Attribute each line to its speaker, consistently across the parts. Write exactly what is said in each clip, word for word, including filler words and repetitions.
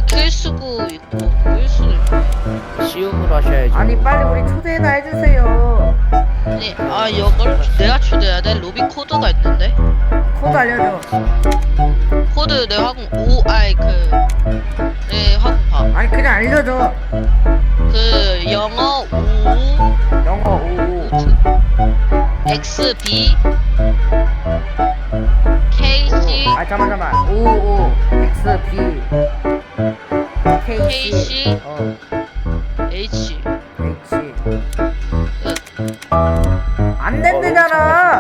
Speaker 1: 킬 수도 있고 끌 수도 있고.
Speaker 2: 시음으로 하셔야죠.
Speaker 3: 아니 빨리 우리 초대나 해주세요.
Speaker 1: 아니 아 이걸 내가 초대해야 돼? 로비 코드가 있는데
Speaker 3: 코드 알려줘.
Speaker 1: 코드 내 화공 오 아이 그내 화공 봐.
Speaker 3: 아니 그냥 알려줘.
Speaker 1: 그 영어 오
Speaker 3: 영어 오오.
Speaker 1: 엑스 비 케이 씨
Speaker 3: 아 잠만 잠만. 오오 엑스 비 케이
Speaker 1: 케이
Speaker 3: 씨
Speaker 1: 씨
Speaker 3: 어
Speaker 1: H
Speaker 3: H
Speaker 1: 끝.
Speaker 3: 안 된대잖아.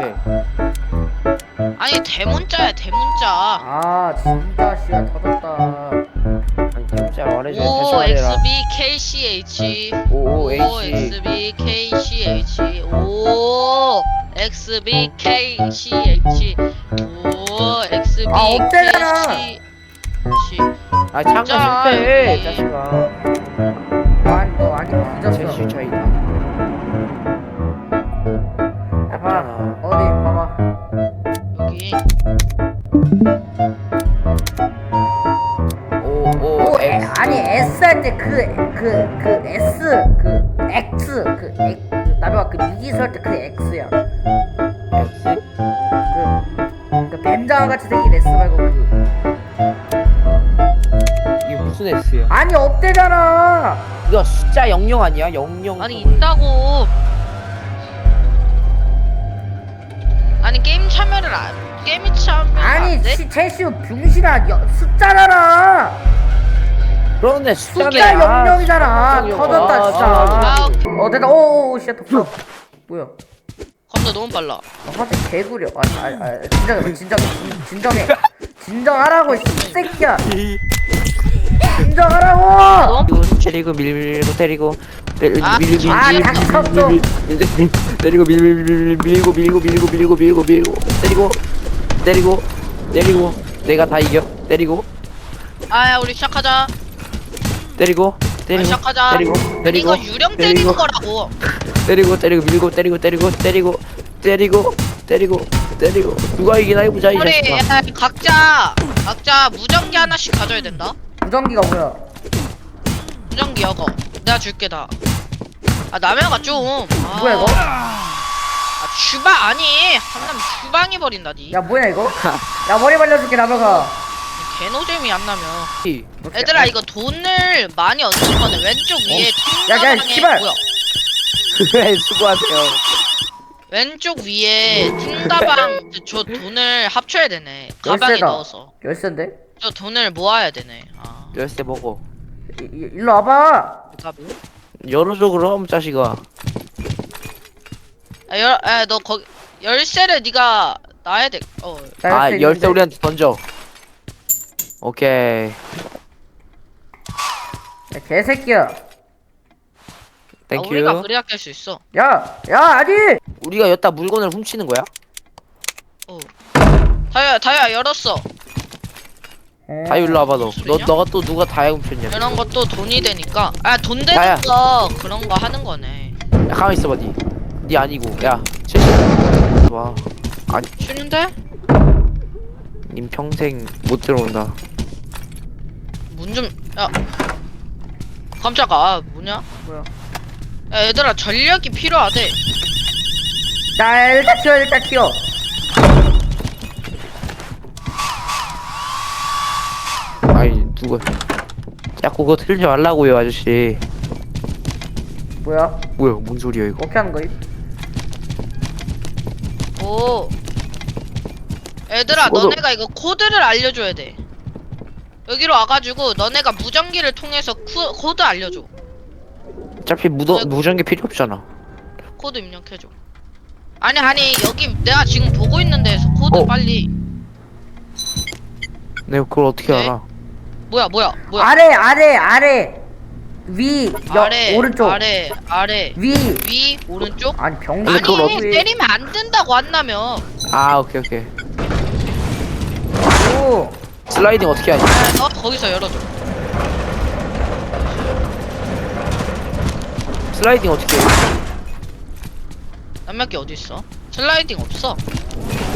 Speaker 1: 아니 대문자야 대문자.
Speaker 3: 아 진짜 씨가 터졌다.
Speaker 2: 아니 진짜 말해줘. 다시
Speaker 1: 오
Speaker 2: 말해라.
Speaker 1: 엑스 비 케이 씨 H
Speaker 2: 오
Speaker 1: 오
Speaker 2: H.
Speaker 1: 엑스 비 케이 씨 H 오 엑스 비 케이 씨 H 오 엑스 비
Speaker 3: 아, 없대잖아.
Speaker 1: 케이 씨 H
Speaker 2: 아 잠깐
Speaker 1: 진짜,
Speaker 2: 실패해
Speaker 1: 이-
Speaker 2: 자식아.
Speaker 3: 아니 너 아니
Speaker 2: 제
Speaker 3: 뒤졌어.
Speaker 2: 실차이다.
Speaker 3: 야 봐봐
Speaker 2: 없잖아.
Speaker 3: 어디 봐봐.
Speaker 1: 여기
Speaker 2: 오오
Speaker 3: 오 에,
Speaker 2: X.
Speaker 3: 아니 S 할 때 그 그 그 S 그 X 그 X 나비가 그 미지수 할 때 그 X야.
Speaker 2: X.
Speaker 3: 그 뱀장어 같이 생긴 S 말고 그
Speaker 2: 이게 무슨 S야?
Speaker 3: 아니 없대잖아.
Speaker 2: 이거 숫자 영영 아니야? 영영.
Speaker 1: 아니 있다고. 아니 게임 참여를 안 게임 참여
Speaker 3: 아니
Speaker 1: 안 돼?
Speaker 3: 시, 제시우 병신아 여, 숫자잖아.
Speaker 2: 그런데 숫자네.
Speaker 3: 숫자
Speaker 2: 아,
Speaker 3: 영영이잖아.
Speaker 2: 숫자
Speaker 3: 터졌다
Speaker 2: 영영.
Speaker 3: 진짜.
Speaker 1: 아,
Speaker 3: 어 됐다. 오오오 씨야 덕 뭐야?
Speaker 1: 겁나 너무 빨라.
Speaker 3: 아, 화질 개구려. 아, 아, 아, 진정해, 진정해, 진- 진정해. 진정하라고, 이 새끼야. 진정하라고.
Speaker 2: 밀고 때리고 밀고 때리고 때리-
Speaker 1: 아,
Speaker 2: 밀고 밀고
Speaker 3: 아,
Speaker 2: 밀고
Speaker 3: 닥쳤어.
Speaker 2: 밀고 밀고 때리고 밀고 밀고 밀고 밀고 밀고 밀고 밀고 밀고 때리고 때리고 때리고 내가 다 이겨 때리고
Speaker 1: 아야 우리 시작하자.
Speaker 2: 때리고
Speaker 1: 아,
Speaker 2: 때리고
Speaker 1: 시작하자.
Speaker 2: 때리고
Speaker 1: 아니,
Speaker 2: 때리고
Speaker 1: 이거 유령 때리는
Speaker 2: 때리고
Speaker 1: 거라고.
Speaker 2: 때리고 때리고 밀고 때리고 때리고 때리고 때리고 때리고 때리고 누가 이기나 해보자 이
Speaker 1: 우리
Speaker 2: 자식아.
Speaker 1: 야, 각자 각자 무전기 하나씩 가져야 된다.
Speaker 3: 무전기가 뭐야?
Speaker 1: 무전기 여거 내가 줄게 다. 아 남해가 좀. 아,
Speaker 3: 뭐야, 이거?
Speaker 1: 아 주방 아니 한남 주방이 버린다 니.
Speaker 3: 야, 뭐야, 이거? 야, 머리 말려줄게, 나봐가.
Speaker 1: 개노잼이 안 나면.
Speaker 2: 이-
Speaker 1: 얘들아 이거 돈을 많이 얻는 거는 왼쪽 위에
Speaker 3: 야, 야,
Speaker 1: 팅가방에
Speaker 3: 씨발.
Speaker 1: 뭐야?
Speaker 2: 네, 수고하세요.
Speaker 1: 왼쪽 위에 팅가방 저 돈을 합쳐야 되네. 가방에
Speaker 3: 열쇠다.
Speaker 1: 넣어서.
Speaker 3: 열쇠인데?
Speaker 1: 저 돈을 모아야 되네. 아.
Speaker 2: 열쇠 먹어.
Speaker 3: 이, 이, 일로 와봐.
Speaker 2: 열어줘 그럼 자식아.
Speaker 1: 아, 열, 아, 너 거기 열쇠를 네가 놔야 돼. 어.
Speaker 3: 나
Speaker 2: 아 열쇠
Speaker 3: 있는데.
Speaker 2: 우리한테 던져. 오케이.
Speaker 3: 야, 개새끼야.
Speaker 1: 아,
Speaker 2: 땡큐.
Speaker 1: 우리가 그래야 깰 수 있어.
Speaker 3: 야, 야, 아니!
Speaker 2: 우리가 여기다 물건을 훔치는 거야?
Speaker 1: 어. 다야, 다야 열었어.
Speaker 2: 다이 일로 와봐 너. 너
Speaker 1: 소리냐?
Speaker 2: 너가 또 누가 다이 훔쳤냐?
Speaker 1: 이런 것도 돈이 되니까. 아, 돈 되는
Speaker 2: 다야.
Speaker 1: 거 그런 거 하는 거네.
Speaker 2: 야 가만 있어봐 니. 니 아니고 야. 칠십. 와. 아니
Speaker 1: 쉬는데?
Speaker 2: 님 평생 못 들어온다.
Speaker 1: 문 좀. 야. 깜짝아. 아, 뭐냐?
Speaker 3: 뭐야?
Speaker 1: 야, 얘들아 전력이 필요하대.
Speaker 3: 자, 일단 튀어, 일단 튀어.
Speaker 2: 아니 누가 자꾸 그거 틀지 말라고요 아저씨.
Speaker 3: 뭐야?
Speaker 2: 뭐야 뭔 소리야 이거?
Speaker 3: 어떻게 하는 거임?
Speaker 1: 오. 얘들아
Speaker 2: 저도-
Speaker 1: 너네가 이거 코드를 알려줘야 돼. 여기로 와가지고 너네가 무전기를 통해서 쿠, 코드 알려줘.
Speaker 2: 어차피 무더, 무전기 필요 없잖아.
Speaker 1: 코드 입력해줘. 아니 아니 여기 내가 지금 보고 있는 데에서 코드
Speaker 2: 어.
Speaker 1: 빨리.
Speaker 2: 내가 그걸 어떻게
Speaker 1: 네.
Speaker 2: 알아?
Speaker 1: 뭐야 뭐야 뭐야.
Speaker 3: 아래, 아래, 아래. 위, 여,
Speaker 1: 아래
Speaker 3: 오른쪽.
Speaker 1: 아래 아래
Speaker 3: 위.
Speaker 1: 위 오른쪽.
Speaker 3: 아니, 병신.
Speaker 2: 근데 그걸
Speaker 1: 아니
Speaker 2: 어떻게-
Speaker 1: 때리면 안 된다고 한다며.
Speaker 2: 아 오케이 오케이.
Speaker 3: 오.
Speaker 2: 슬라이딩 어떻게 하지?
Speaker 1: 아, 너 거기서 열어줘.
Speaker 2: 슬라이딩 어떻게 해?
Speaker 1: 남몇개 어디 있어? 슬라이딩 없어.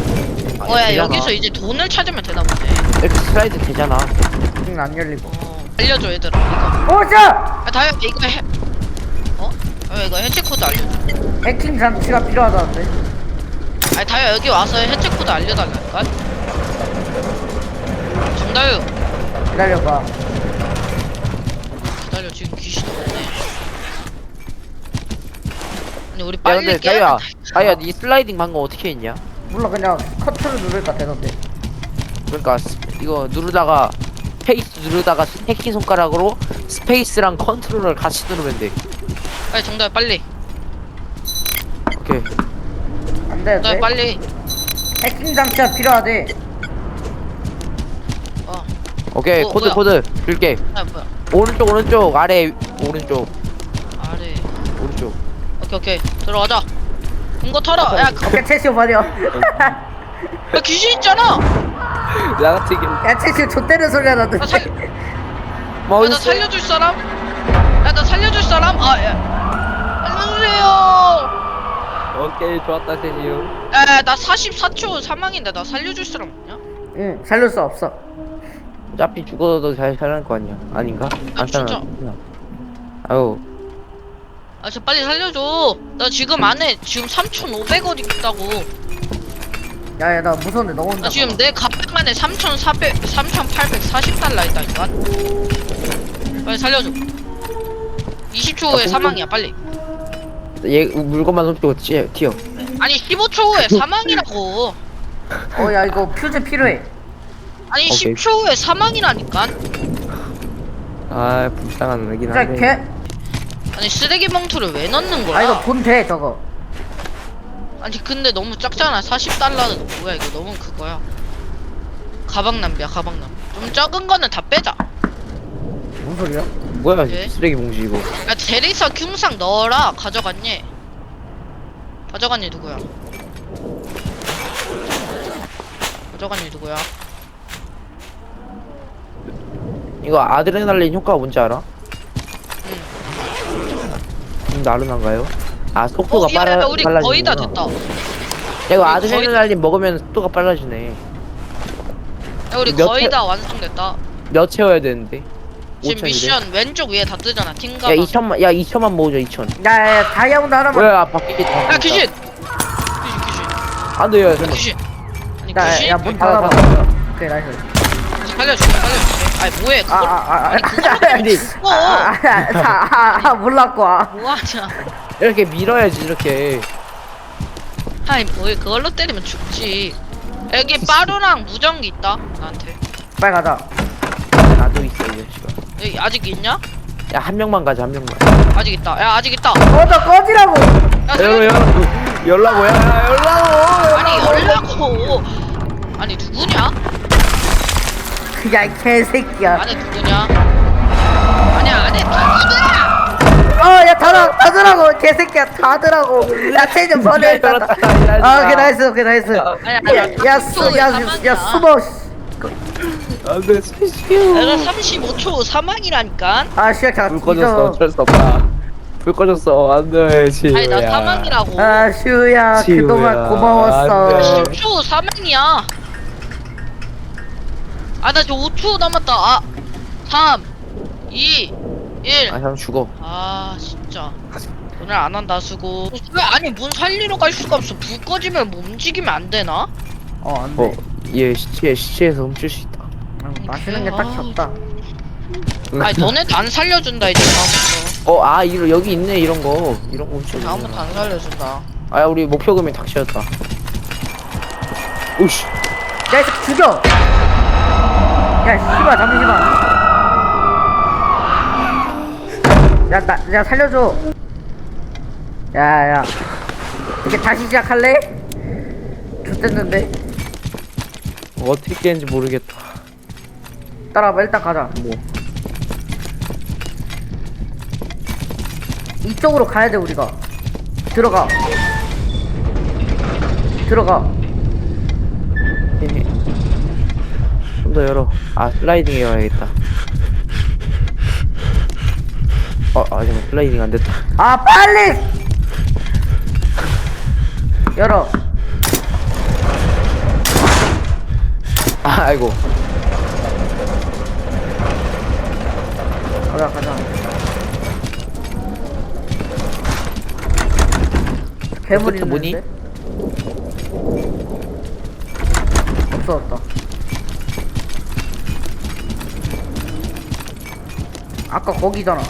Speaker 2: 아니,
Speaker 1: 어야
Speaker 2: 되잖아.
Speaker 1: 여기서 이제 돈을 찾으면 되나 보네.
Speaker 2: 이렇게 슬라이드 되잖아.
Speaker 3: 응, 안 열리고.
Speaker 1: 어. 알려줘 얘들아 이거.
Speaker 3: 오자!
Speaker 1: 아 다이아 이거 해. 어? 아 이거 해체 코드 알려줘.
Speaker 3: 해킹 장치가 필요하다는데.
Speaker 1: 아니 다이아 여기 와서 해체 코드 알려달라니까. 정다유
Speaker 3: 기다려봐.
Speaker 1: 기다려 지금 귀신 없네. 아니 우리
Speaker 2: 야
Speaker 1: 빨리
Speaker 2: 근데
Speaker 1: 깨야
Speaker 2: 자유야
Speaker 1: 된다.
Speaker 2: 자유야 니 슬라이딩 방금 어떻게 했냐?
Speaker 3: 몰라 그냥 커트를 누를까 되던데.
Speaker 2: 그러니까 스- 이거 누르다가 스페이스 누르다가 새끼 손가락으로 스페이스랑 컨트롤을 같이 누르면 돼.
Speaker 1: 빨리 정다유 빨리.
Speaker 2: 오케이.
Speaker 3: 안
Speaker 1: 정다유
Speaker 3: 되는데.
Speaker 1: 빨리.
Speaker 3: 해킹 장치가 필요하대.
Speaker 1: 어.
Speaker 2: 오케이
Speaker 1: 어,
Speaker 2: 코드
Speaker 1: 뭐야?
Speaker 2: 코드 줄게.
Speaker 1: 아 뭐야?
Speaker 2: 오른쪽 오른쪽 아래 오른쪽
Speaker 1: 아래.
Speaker 2: 오른쪽.
Speaker 1: 오케이 오케이 들어가자. 이거 털어. 야, 그-
Speaker 3: 오케이 채쇼 버려.
Speaker 1: 야 귀신 있잖아.
Speaker 2: 나 같은 경우
Speaker 3: 야 채쇼 좆대는 소리가
Speaker 1: 나
Speaker 3: 나던데.
Speaker 1: 살.
Speaker 2: 뭐
Speaker 1: 야, 나 살려줄 사람? 야, 나 살려줄 사람? 아, 야. 살려주세요.
Speaker 2: 오케이 좋았다 세지요.
Speaker 1: 야, 나 사십사 초 사망인데 나 살려줄 사람 없냐?
Speaker 3: 응 살릴 수 없어.
Speaker 2: 어차피 죽어도 잘 살아날 거 아니야. 아닌가?
Speaker 1: 아,
Speaker 2: 안
Speaker 1: 진짜?
Speaker 2: 살아나. 아유
Speaker 1: 아, 저 빨리 살려줘. 나 지금 안에 지금 삼천오백 원 있다고.
Speaker 3: 야야 나 무서운데 너 혼자.
Speaker 1: 나 지금 내 가방 안에 삼천사백, 삼천팔백사십 달러 있다니까. 빨리 살려줘. 이십 초 후에
Speaker 2: 야,
Speaker 1: 사망이야, 빨리.
Speaker 2: 얘 물건만 훔치고 튀어. 튀어.
Speaker 1: 아니, 십오 초 후에 사망이라고.
Speaker 3: 어야 이거 퓨즈 필요해.
Speaker 1: 아니,
Speaker 2: 오케이.
Speaker 1: 십 초 후에 사망이라니까.
Speaker 2: 아 불쌍한 애긴
Speaker 3: 진짜
Speaker 2: 한데.
Speaker 3: 개.
Speaker 1: 아니, 쓰레기 봉투를 왜 넣는 거야?
Speaker 3: 아 이거 돈 돼 저거.
Speaker 1: 아니 근데 너무 작잖아. 사십 달러는 뭐야 이거 너무 그거야. 가방 낭비야 가방 낭비. 좀 작은 거는 다 빼자.
Speaker 3: 뭔 소리야?
Speaker 2: 뭐야
Speaker 1: 예?
Speaker 2: 쓰레기 봉지 이거.
Speaker 1: 야 대리석 흉상 넣어라. 가져갔니? 가져갔니 누구야? 가져갔니 누구야?
Speaker 2: 이거 아드레날린 효과가 뭔지 알아?
Speaker 1: 응.
Speaker 2: 좀 나른한가요? 아 속도가
Speaker 1: 어, 야,
Speaker 2: 빨라
Speaker 1: 야, 우리
Speaker 2: 빨라지는구나.
Speaker 1: 거의 다 됐다.
Speaker 2: 야 이거
Speaker 1: 우리
Speaker 2: 아드레날린 먹으면 속도가 빨라지네.
Speaker 1: 야 우리
Speaker 2: 몇
Speaker 1: 거의
Speaker 2: 회-
Speaker 1: 다 완성됐다.
Speaker 2: 몇 채워야 되는데?
Speaker 1: 지금
Speaker 2: 오천이래.
Speaker 1: 미션 왼쪽 위에 다 뜨잖아. 팀
Speaker 2: 야
Speaker 1: 가방.
Speaker 2: 이천만 야 이천만 모으자 이천.
Speaker 3: 야야 다이아몬드 하나만.
Speaker 2: 뭐야 바뀌기 다.
Speaker 1: 야 귀신. 귀신 귀신.
Speaker 2: 안돼요
Speaker 1: 야,
Speaker 2: 잠깐.
Speaker 1: 귀신. 아니 귀신.
Speaker 3: 야야문
Speaker 2: 닫아,
Speaker 3: 닫아봐.
Speaker 2: 닫아.
Speaker 3: 오케이 나이스.
Speaker 1: 살려줄게 살려줄게. 아니 뭐해 그걸.
Speaker 3: 아아아
Speaker 1: 아니
Speaker 2: 아니
Speaker 3: 아아 몰랐고. 아.
Speaker 1: 뭐하냐.
Speaker 2: 이렇게 밀어야지 이렇게.
Speaker 1: 아니 뭘 그걸로 때리면 죽지. 여기 빠루랑 무전기 있다 나한테.
Speaker 3: 빨리 가자.
Speaker 2: 나도 있어 이 자식아.
Speaker 1: 여기 아직 있냐?
Speaker 2: 야 한 명만 가자 한 명만.
Speaker 1: 아직 있다. 야 아직 있다.
Speaker 3: 꺼져 꺼지라고.
Speaker 1: 야
Speaker 2: 열어
Speaker 1: 살려줘.
Speaker 2: 열어 열라고 야 열라고.
Speaker 1: 아니 열라고. 아니 누구냐?
Speaker 3: 야 이 개새끼야.
Speaker 1: 안에 누구냐? 아니야 안에 누구야?
Speaker 3: 어야 닫아 닫으라고 개새끼야 닫으라고. 야 체좀 버려 일단. 아 오케이 나이스 오케이 나이스.
Speaker 1: 아니야 아니야.
Speaker 3: 야야야야 숨어.
Speaker 2: 안돼 스피시오.
Speaker 1: 내가 삼십오 초 사망이라니까.
Speaker 3: 아 씨야 가.
Speaker 2: 불 꺼졌어 어쩔 수 없다. 불 꺼졌어 안돼 지우야.
Speaker 1: 아니 나 사망이라고.
Speaker 3: 아 슈야
Speaker 2: 지우야,
Speaker 3: 그동안 고마웠어.
Speaker 2: 안 돼.
Speaker 1: 십 초 사망이야. 아 나 저 오 초 남았다. 아 삼, 이, 일.
Speaker 2: 아 형 죽어.
Speaker 1: 아 진짜 오늘 안 한다 수고. 왜 아니 문 살리러 갈 수가 없어. 불 꺼지면 뭐 움직이면 안 되나?
Speaker 3: 어 안돼.
Speaker 2: 어얘 시체 시체에서 훔칠 수 있다.
Speaker 3: 마시는 게 딱히 없다.
Speaker 1: 아니 너네도 안 살려준다 이제 다음부터.
Speaker 2: 어아 이거 여기 있네 이런 거 이런 거 훔쳐.
Speaker 1: 다음부터 안 살려준다.
Speaker 2: 아 우리 목표금이 닥치였다. 오씨.
Speaker 3: 야이 새끼 죽여. 야 씨발 잠시만. 야나 야 살려줘. 야야 이제 다시 시작할래? 좋댔는데.
Speaker 2: 어떻게 깨는지 모르겠다.
Speaker 3: 따라와봐 일단 가자.
Speaker 2: 뭐.
Speaker 3: 이쪽으로 가야 돼 우리가. 들어가. 들어가.
Speaker 2: 좀 더 열어. 아 슬라이딩 해야겠다. 어, 아 잠깐 슬라이딩 안 됐다.
Speaker 3: 아 빨리. 열어.
Speaker 2: 아, 아이고.
Speaker 3: 가자 가자. 괴물
Speaker 2: 그것도 뭐니?
Speaker 3: 있는데? 없어졌다. 아까 거기잖아.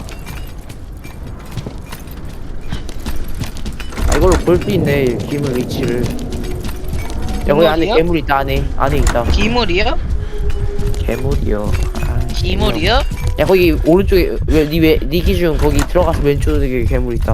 Speaker 2: 아 이걸로 볼 수 있네 기물 위치를. 야 거기 안에
Speaker 1: 기물이요?
Speaker 2: 괴물 있다. 안에 안에 있다.
Speaker 1: 기물이요?
Speaker 2: 괴물이요. 아,
Speaker 1: 기물이요?
Speaker 2: 야 거기 오른쪽에 왜니왜니 기준 거기 들어가서 왼쪽에 괴물 있다.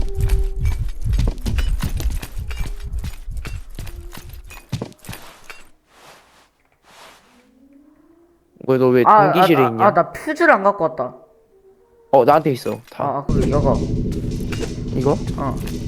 Speaker 2: 왜 너 왜
Speaker 3: 아,
Speaker 2: 동기실에
Speaker 3: 아,
Speaker 2: 있냐?
Speaker 3: 아, 아, 나 퓨즈를 안 갖고 왔다.
Speaker 2: 어 나한테 있어.
Speaker 3: 아,
Speaker 2: 다
Speaker 3: 아, 그, 여거.
Speaker 2: 이거?
Speaker 3: 어.